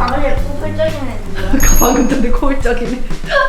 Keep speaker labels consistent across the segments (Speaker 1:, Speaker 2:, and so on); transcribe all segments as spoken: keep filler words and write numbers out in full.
Speaker 1: 방금 코골적이네.
Speaker 2: 방금 전에 코골적이네.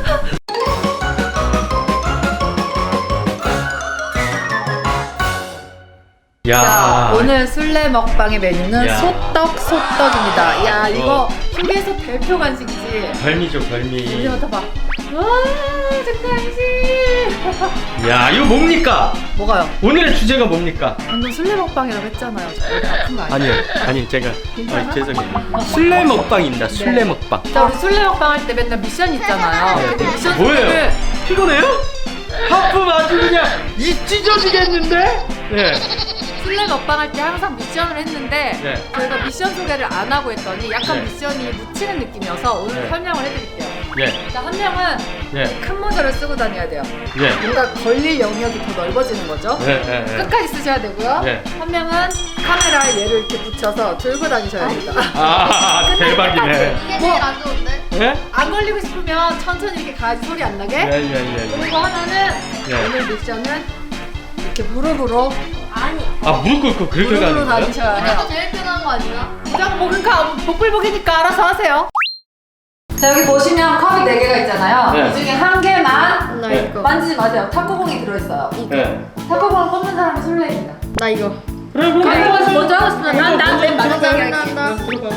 Speaker 3: 야.
Speaker 2: 자, 오늘 술래 먹방의 메뉴는
Speaker 3: 야.
Speaker 2: 소떡 소떡입니다. 야, 이거 휴게소 대표 간식이지.
Speaker 3: 별미죠, 별미.
Speaker 2: 이제 맡아봐. 와, 정상이지.
Speaker 3: 야, 이거 뭡니까?
Speaker 2: 뭐가요?
Speaker 3: 오늘의 주제가 뭡니까?
Speaker 2: 방금 술래 먹방이라고 했잖아요. 저 어디 아픈 거 아니에요?
Speaker 3: 아니요, 아니 제가
Speaker 2: 괜찮아?
Speaker 3: 아, 죄송해요. 술래 먹방입니다. 술래
Speaker 2: 네.
Speaker 3: 먹방.
Speaker 2: 자, 우리 술래 먹방 할 때 맨날 미션 있잖아요.
Speaker 3: 네.
Speaker 2: 근데 미션
Speaker 3: 뭐예요?
Speaker 2: 소개를
Speaker 3: 피곤해요? 하품 아주 그냥 이 찢어지겠는데? 네.
Speaker 2: 술래 먹방 할 때 항상 미션을 했는데
Speaker 3: 네.
Speaker 2: 저희가 미션 소개를 안 하고 했더니 약간
Speaker 3: 네.
Speaker 2: 미션이 묻히는 느낌이어서 오늘
Speaker 3: 네.
Speaker 2: 설명을 해드릴게요.
Speaker 3: 예.
Speaker 2: 자, 한 명은
Speaker 3: 예.
Speaker 2: 큰 모자를 쓰고 다녀야 돼요.
Speaker 3: 예.
Speaker 2: 뭔가 걸릴 영역이 더 넓어지는 거죠.
Speaker 3: 예. 예. 예.
Speaker 2: 끝까지 쓰셔야 되고요.
Speaker 3: 네.
Speaker 2: 한 명은 카메라에 얘를 이렇게 붙여서 들고 다니셔야 됩니다.
Speaker 3: 아, 대박이네.
Speaker 1: 이게
Speaker 2: 뭐?
Speaker 1: 제일 안 좋은데?
Speaker 3: 예?
Speaker 2: 안 걸리고 싶으면 천천히 이렇게 가야지 소리 안 나게.
Speaker 3: 예, 예, 예. 예.
Speaker 2: 그리고 하나는
Speaker 3: 네.
Speaker 2: 오늘 미션은 이렇게 무릎으로
Speaker 1: 아니.
Speaker 3: 아, 무릎 꿇고 그렇게
Speaker 2: 무릎으로
Speaker 3: 가는 거예요?
Speaker 2: 다니셔야 해요.
Speaker 1: 이거 제일 편한 거 아니야?
Speaker 2: 무조건 뭐 그러니까 복불복이니까 알아서 하세요. 자, 여기 보시면 컵이 네 개가 있잖아요.
Speaker 3: 네.
Speaker 2: 이 중에 한 개만
Speaker 1: 나
Speaker 3: 네.
Speaker 1: 이거.
Speaker 2: 만지지 마세요. 탁구공이 들어있어요.
Speaker 3: 예.
Speaker 2: 탁구공을 뽑는 사람이 술래입니다.
Speaker 1: 나 이거.
Speaker 3: 그래, 그럼
Speaker 2: 탁구공에서 먼저 하고 싶으면 난난맨 마지막에
Speaker 1: 나,
Speaker 2: 할게.
Speaker 1: 나, 나.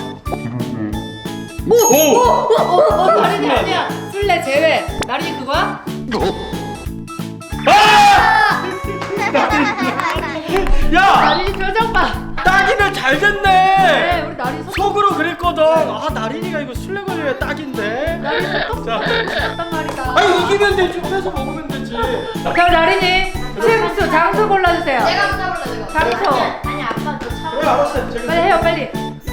Speaker 3: 오!
Speaker 2: 어, 어, 어, 나린이 아니야. 술래 제외. 나린이 그거야?
Speaker 3: 야!
Speaker 2: 나린이 표정 봐.
Speaker 3: 딱이네, 잘
Speaker 2: 네,
Speaker 3: 됐네.
Speaker 2: 우리 나린이 속
Speaker 3: 속으로 그랬거든. 아, 나린이가 이거 술래 걸려야 딱인데.
Speaker 2: 나린이 속
Speaker 3: 자.
Speaker 2: 단 말이다.
Speaker 3: 아니, 이기면 되지. 빼서 먹으면 되지.
Speaker 2: 자, 나린이 층수 장소 골라주세요.
Speaker 1: 내가 한번 해볼래, 내가.
Speaker 2: 장소.
Speaker 1: 아니, 아빠 너 차.
Speaker 3: 그래, 알았어요. 저기.
Speaker 2: 빨리 해요, 빨리.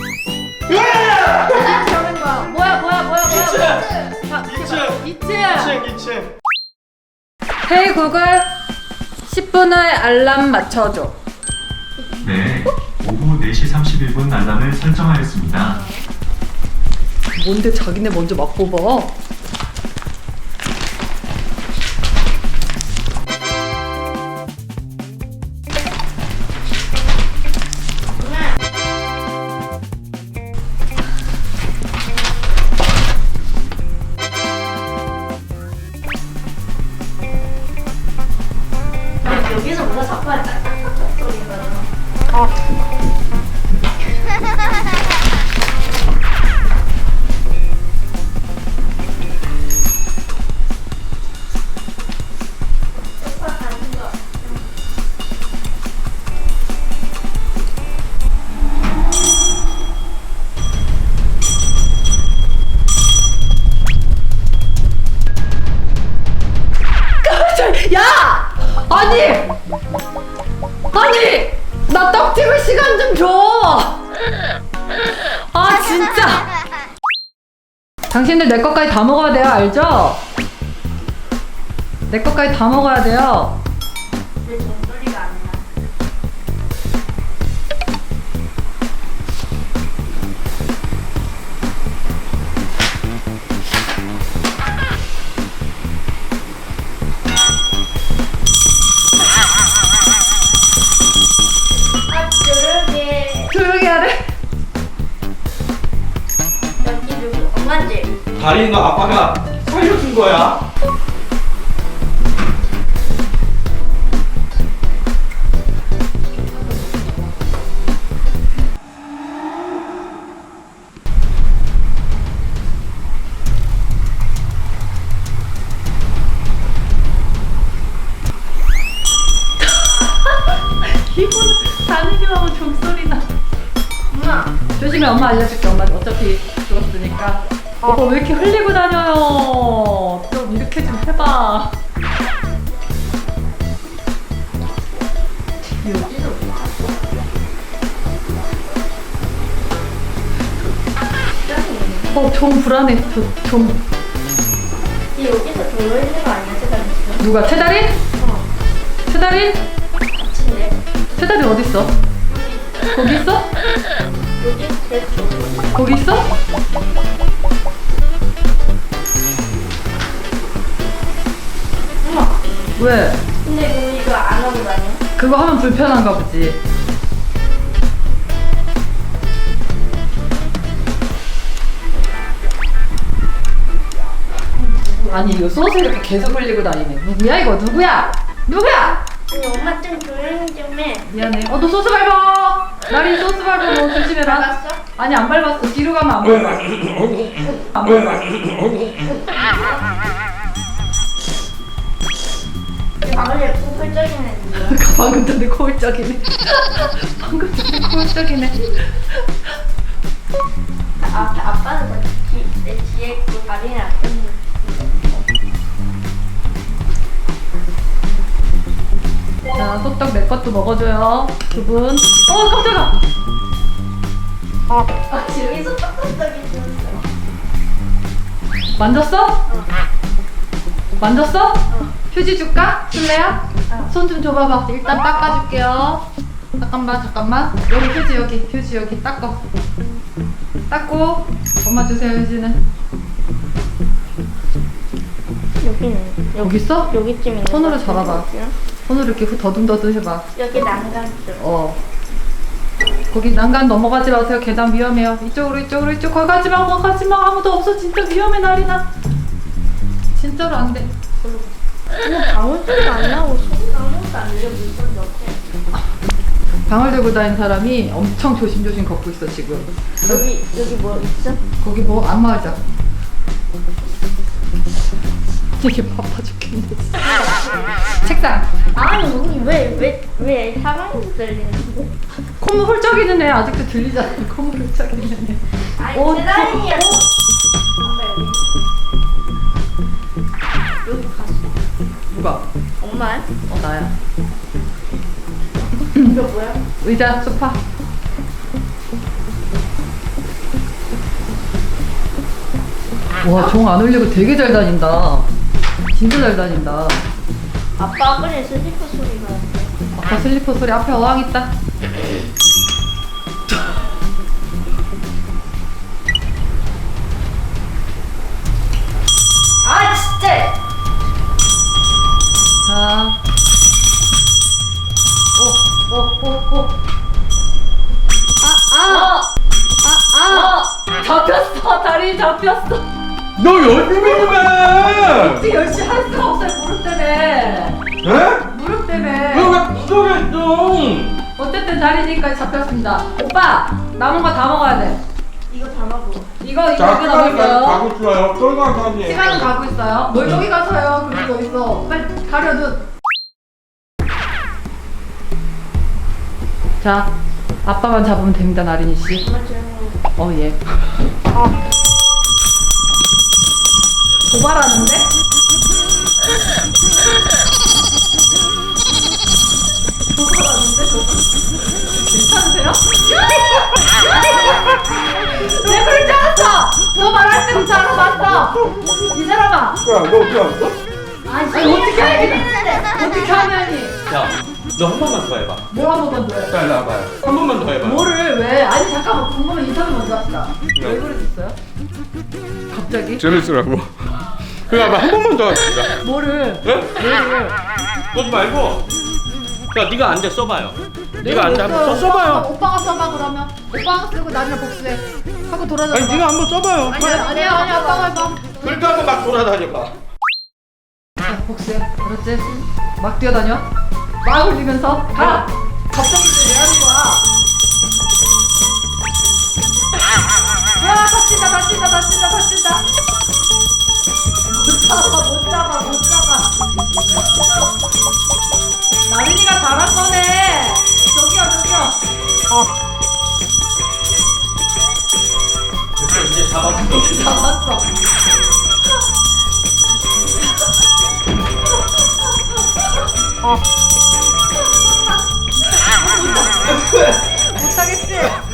Speaker 3: 예!
Speaker 2: 나린이 저는 거야. 뭐야, 뭐야, 뭐야,
Speaker 3: 이 층.
Speaker 2: 뭐야. 자,
Speaker 3: 이 층.
Speaker 2: 이 층.
Speaker 3: 이 층, 이 층.
Speaker 2: 헤이 구글 십 분 후에 알람 맞춰줘.
Speaker 4: 네, 오후 네 시 삼십일 분 알람을 설정하였습니다.
Speaker 2: 뭔데 자기네 먼저 막 뽑아?
Speaker 1: 여기서 뭐가 자꾸 딱딱딱 소리가 나.
Speaker 2: 야! 아니! 아니! 나 떡 튀길 시간 좀 줘! 아 진짜! 당신들 내 것까지 다 먹어야 돼요, 알죠? 내 것까지 다 먹어야 돼요.
Speaker 1: 내 종소리가 안 나. 아, 조용히.
Speaker 2: 조용히 하래.
Speaker 1: 여기 누구? 엄마지?
Speaker 3: 다리 너 아빠가 살려준 거야.
Speaker 2: 기분 다니기만 하면 종소리나.
Speaker 1: 엄마.
Speaker 2: 조심해, 엄마 알려줄게. 엄마 어차피 죽었으니까. 오빠 왜 이렇게 흘리고 다녀요? 좀 이렇게 좀 해봐.
Speaker 1: 여기서 뭐 하고?
Speaker 2: 어, 좀 불안해. 저, 좀.
Speaker 1: 여기서 돌로 있는 거 아니야, 세상에?
Speaker 2: 누가? 태달인?
Speaker 1: 어.
Speaker 2: 태달인?
Speaker 1: 같은데.
Speaker 2: 태달인 어딨어? 거기 있어?
Speaker 1: 여기 됐어.
Speaker 2: 거기 있어?
Speaker 1: 엄마.
Speaker 2: 왜?
Speaker 1: 근데 그럼 이거 안 하고 다녀?
Speaker 2: 그거 하면 불편한가 보지. 아니 이거 소스 이렇게 계속 흘리고 다니네. 누구야 이거? 누구야? 누구야?
Speaker 1: 아니 엄마 좀 조용히 좀 해.
Speaker 2: 미안해. 어, 너 소스 밟아. 나린 소스 밟아. 너 조심해라.
Speaker 1: 밟았어?
Speaker 2: 아니 안 밟았어. 뒤로 가면 안 밟아. 안 밟아.
Speaker 1: 방금 예쁘고 펄쩍이네.
Speaker 2: 방금 전에 코울적이네. 방금 전에 코울적이네.
Speaker 1: 아, 아빠는 뒤, 내 뒤에 있고 다리는 앞에 있는.
Speaker 2: 자, 소떡 내 것도 먹어줘요. 두 분. 어, 깜짝아.
Speaker 1: 아, 여기서 떡떡떡이 들었어.
Speaker 2: 만졌어?
Speaker 1: 어.
Speaker 2: 만졌어?
Speaker 1: 어.
Speaker 2: 휴지 줄까? 술래야?
Speaker 1: 어.
Speaker 2: 손 좀 줘봐봐. 일단 닦아줄게요. 잠깐만, 잠깐만. 여기 휴지, 여기. 휴지, 여기. 닦어. 닦고. 엄마 주세요, 휴지는.
Speaker 1: 여기는
Speaker 2: 여기 있어?
Speaker 1: 여기쯤 있는.
Speaker 2: 손으로
Speaker 1: 것 같은데,
Speaker 2: 잡아봐.
Speaker 1: 여기는?
Speaker 2: 손으로 이렇게 후- 더듬더듬 해봐.
Speaker 1: 여기 난간 쪽.
Speaker 2: 어. 거기 난간 넘어가지 마세요. 계단 위험해요. 이쪽으로, 이쪽으로, 이쪽. 거기 가지 마, 거기 가지 마. 아무도 없어. 진짜 위험해, 나리나. 진짜로 안 돼.
Speaker 1: 어머 방울소리가 안 나고 소리가 아무것도 안 들려. 물건도 없대.
Speaker 2: 방을 들고 다니는 사람이 엄청 조심조심 걷고 있어, 지금.
Speaker 1: 여기 여기 뭐 있어?
Speaker 2: 거기 뭐 안 말자. 이게 바빠 죽겠네. 진짜. 책상.
Speaker 1: 아니 우리 왜왜왜 사방에서 들리는데?
Speaker 2: 콧물 훌쩍이는 애 아직도 들리잖아. 콧물 훌쩍이는 애.
Speaker 1: 아니
Speaker 2: 어,
Speaker 1: 계단이야. 아빠 여기. 여기 갔어.
Speaker 2: 누가?
Speaker 1: 엄마야?
Speaker 2: 어, 나야.
Speaker 1: 이거 뭐야?
Speaker 2: 의자, 소파. 와, 종 안 울리고 되게 잘 다닌다. 진짜 잘 다닌다.
Speaker 1: 아빠 아까 슬리퍼 소리가 났어.
Speaker 2: 아까 슬리퍼 소리 앞에 어항 있다.
Speaker 1: 아 진짜!
Speaker 2: 자. 오, 오, 오, 오. 아, 아! 아, 아! 잡혔어! 다리 잡혔어!
Speaker 3: 너 열심히 좀 해!
Speaker 2: 어떻게 열심히 할 수가 없어요, 무릎 때문에.
Speaker 3: 에?
Speaker 2: 무릎 때문에.
Speaker 3: 너왜 구석했어?
Speaker 2: 어쨌든 다리니까 잡혔습니다. 오빠! 남은 거 다 먹어야 돼.
Speaker 1: 이거 다 먹어.
Speaker 2: 이거, 이거,
Speaker 3: 자,
Speaker 2: 이거
Speaker 3: 시간은
Speaker 2: 남았어요.
Speaker 3: 가고 있어요. 쫄강 사람이에요.
Speaker 2: 시간은 가고 있어요. 뭘 저기 가서요. 그리고 여기 있어. 빨리 가려, 눈. 자, 아빠만 잡으면 됩니다, 나린이 씨.
Speaker 1: 엄마 조용히 해.
Speaker 2: 어, 예. 도발하는데? 도발하는데? 도발. 괜찮으세요? 내 그럴 줄 알았어! 너 말할 때부터 알아봤어! 이 사람아!
Speaker 3: 야, 너 어디 왔어?
Speaker 2: 아니, 어떻게 하겠다! 어떻게 하냐니!
Speaker 3: 야, 너 한 번만 더 해봐.
Speaker 2: 뭐 한 번만 더 해?
Speaker 3: 자, 일로 와봐요. 한 번만 더 해봐.
Speaker 2: 뭐를 왜? 아니 잠깐만 궁금해 인터뷰 먼저 합시다.
Speaker 3: 네.
Speaker 2: 왜 그러셨어요? 갑자기?
Speaker 3: 재밌으라고. 그래, 봐봐. 한 번만 더 합시다.
Speaker 2: 뭐를?
Speaker 3: 네?
Speaker 2: 뭐를?
Speaker 3: 그러지 말고. 야, 네가 안 돼 써봐요. 네가 안 돼
Speaker 2: 왜
Speaker 3: 한번 써
Speaker 2: 써요?
Speaker 3: 써봐요.
Speaker 2: 오빠가, 오빠가 써봐 그러면. 오빠가 쓰고 나중에 복수해. 하고 돌아다녀.
Speaker 3: 아니, 네가 한번 써봐요.
Speaker 2: 아니야 아니야 아니야 오빠가 해봐.
Speaker 3: 그렇게 하고 막 돌아다녀봐.
Speaker 2: 자 복수해. 그렇지? 막 뛰어다녀. 막 울리면서 가. 갑자기 왜 하는 거야? 야 다친다 다친다 다친다 다친다. 못 잡아 못 잡아 못 잡아. 나린이가 잘한 거네. 저기요 저기요.
Speaker 3: 됐어, 이제 잡았어.
Speaker 2: 잡았어. 못하겠지?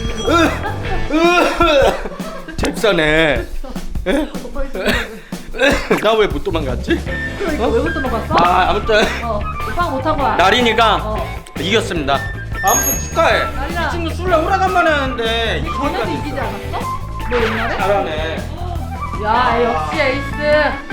Speaker 3: 잽싸네.
Speaker 2: 오빠 있어.
Speaker 3: 나 왜 못 도망갔지?
Speaker 2: 그러니까 왜 못 도망갔어?
Speaker 3: 아, 아무튼
Speaker 2: 어, 오빠가 못한 거야.
Speaker 3: 나린이가
Speaker 2: 어.
Speaker 3: 이겼습니다. 아무튼 축하해.
Speaker 2: 나린아.
Speaker 3: 이 친구 술래 오라간만에 하는데
Speaker 2: 전에도
Speaker 3: 이기까지
Speaker 2: 이기지 않았어? 너 옛날에?
Speaker 3: 잘하네.
Speaker 2: 야, 역시 에이스.